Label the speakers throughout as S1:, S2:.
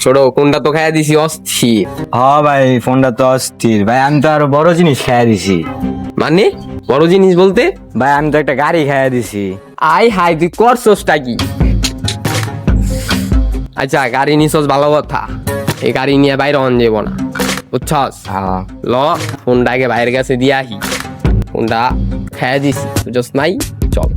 S1: ছোট কোনটা তো খাইয়া দিছি অস্থির।
S2: হ্যাঁ ভাই ফোনটা তো অস্থির ভাই, আমি তো আরো বড় জিনিস খাইয়া দিছি।
S1: মানে বড় জিনিস বলতে?
S2: ভাই আমি তো একটা গাড়ি খাইয়া দিছি।
S1: আই হাই তুই করছসটা কি? আচ্ছা গাড়ি নিছস ভালো কথা, এই গাড়ি নিয়ে বাইরে অন যাবো না বুঝছস।
S2: হ্যাঁ
S1: ল ফোনটা আগে বাইরের কাছে দিয়ে আহি, ফোনটা খাইয়া দিছি বুঝছস নাই। চল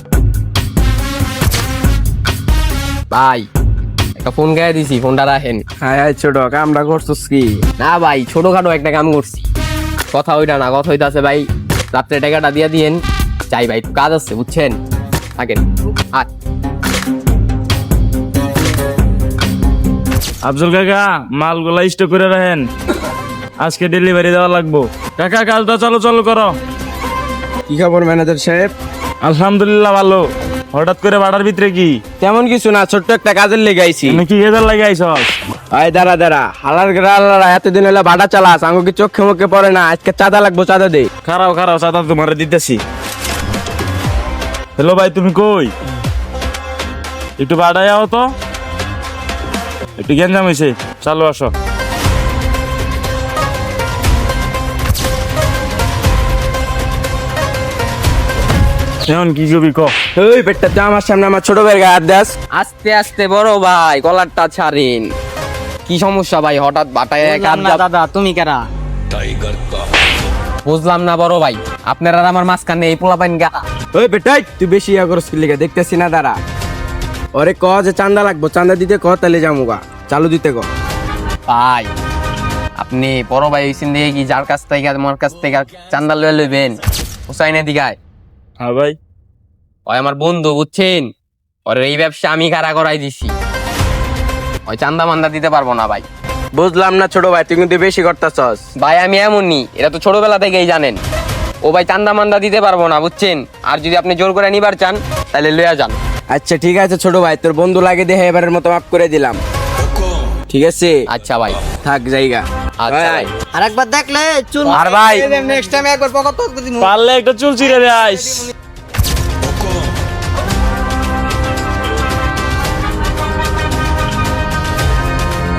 S1: ভাই একটা ফোন খাইয়া দিছি, ফোনটা রাখেন।
S3: হ্যাঁ ছোট কামটা করছিস কি?
S1: না ভাই ছোটখাটো একটা কাম করছি, কথা ওইটা না, কথা হইতাছে ভাই রাত্রে টাকাটা দিয়ে দিয়েন। যাই ভাই একটু কাজ আছে বুঝছেন, থাকেন। আর
S4: আফজল কাকা মালগুলা স্টক করে রাখেন, আজকে ডেলিভারি দেওয়া লাগবো। কাকা কাজটা চালু চালু করো।
S3: কি খবর ম্যানেজার সাহেব?
S4: আলহামদুলিল্লাহ ভালো। হঠাৎ করে বাড়ার ভিতরে কি?
S3: তেমন কিছু না, ছোট্ট একটা কাজের লেগে আইছি।
S4: তুমি কি গেজার লাগে আইসস?
S3: আয় দাঁড়া দাঁড়া, হালার গেলার এতদিন হলে বাটা চালাস, আঙ্গু কি চোখে মুখে পড়ে না? আজকে চাঁদা লাগবো, চাঁদা দে।
S4: খারাও খারাও চাঁদা তোমার দিতেছি। হ্যালো ভাই তুমি কই? একটু বাড়াই আও তো, একটু গেঞ্জাম হয়েছে, চালু আসো। এখন কি করবি ক?
S3: ওই পেটটা তুই আমার সামনে আমার ছোট ভাইয়ের গায়ে হাত দাস।
S1: আস্তে আস্তে বড় ভাই কলারটা ছাড়েন। কি সমস্যা ভাই হঠাৎ বাটায়
S2: দাদা তুমি কেরা?
S1: বুঝলাম না বড় ভাই, আপনার আর আমার মাঝখানে এই পোলা পাইন গা।
S3: ওই বেটাই তুই বেশি ইয়া করছিস লিগা, দেখতেছি না দাঁড়া। ওরে ক যে চাঁদা লাগবো, চাঁদা দিতে ক, তাহলে যামুগা, চালু দিতে ক।
S1: ভাই আপনি বড় ভাই হইছেন দেখে কি যার কাছ থেকে আমার কাছ থেকে চান্দা লয়ে লইবেন? হুসাইনের দিঘায়
S4: হ্যাঁ ভাই
S1: ওই আমার বন্ধু বুঝছেন, ওর এই ব্যবসা আমি খাড়া করাই দিছি, ওই চান্দা মান্দা দিতে পারবো না ভাই।
S3: বুঝলাম না ছোট ভাই, তুই কিন্তু বেশি করতেছস।
S1: ভাই আমি এমনই, এটা তো ছোটবেলা থেকেই জানেন। ও ভাই চান্দা মান্দা দিতে পারবো না বুঝছেন, আর যদি আপনি জোর করে নিবার চান তাহলে লইয়া যান।
S3: আচ্ছা ঠিক আছে ছোট ভাই, তোর বন্ধু লাগে দেখে এবারের মতো মাফ করে দিলাম, ঠিক আছে?
S1: আচ্ছা ভাই।
S3: থাক জায়গা।
S1: আচ্ছা ভাই।
S5: আরেকবার দেখলে চুল
S1: আর ভাই
S5: নেক্সট টাইম একবার পকেট
S4: পারলে একটা চুল ছিঁড়ে দেয়।